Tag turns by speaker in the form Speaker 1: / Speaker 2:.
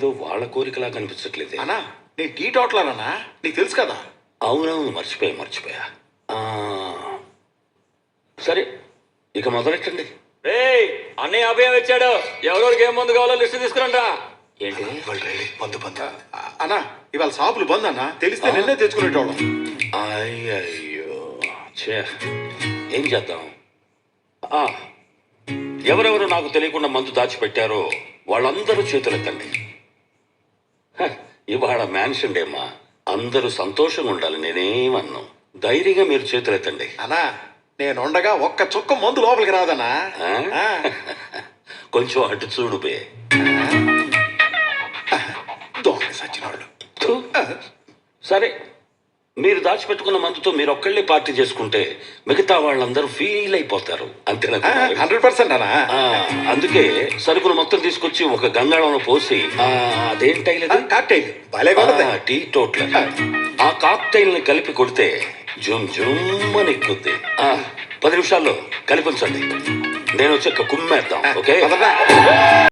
Speaker 1: ఇదేదో వాళ్ళ కోరికలా కనిపించట్లేదే.
Speaker 2: అన్నా నేను టీ టోటలనా నీకు తెలుసు కదా.
Speaker 1: అవునవును, మర్చిపోయా. సరే, ఇక మొదలెట్టండి.
Speaker 3: అన్నయ్య అభయం ఇచ్చాడు. ఎవరెవరికి ఏం మందు కావాలో లిస్ట్ తీసుకురండి.
Speaker 1: ఏంటి?
Speaker 2: అన్నా ఇవాళ షాపులు బంద్ అన్నా, తెలిస్తే నిన్నే తెచ్చుకునేటోళ్ళం.
Speaker 1: అయ్యయ్యో, ఛే, ఏం చేద్దాం? ఎవరెవరు నాకు తెలియకుండా మందు దాచిపెట్టారో వాళ్ళందరూ చేతులెత్తండి. ఇవాళ మ్యాన్షన్ డేమ్మా, అందరూ సంతోషంగా ఉండాలి. నేనేమన్నాను, ధైర్యంగా మీరు చేతులెత్తండి.
Speaker 2: అన్నా నేనుండగా ఒక్క చుక్క మందు లోపలికి రాదన్నా.
Speaker 1: కొంచెం అటు చూడు బే.
Speaker 2: దొంగ సచ్చినోళ్ళు.
Speaker 1: సరే, మీరు దాచిపెట్టుకున్న మందుతో మీరు ఒక్కళ్ళే పార్టీ చేసుకుంటే మిగతా వాళ్ళందరూ ఫీల్ అయిపోతారు. అంతేనా?
Speaker 2: 100% అన్నా.
Speaker 1: అందుకే సరుకులు మొత్తం తీసుకొచ్చి ఒక గంగాళంలో పోసి అదేంటైలేదు
Speaker 2: కాక్టైల్ భలేగా ఉంటది.
Speaker 1: టీ టోట్లర్ ఆ కాక్టైల్ ని కలిపి కొడితే జుమ్ జుమ్ అని ఎక్కుద్ది. 10 నిమిషాల్లో కలిపించండి. నేను వచ్చి కుమ్మేద్దాం. ఓకే.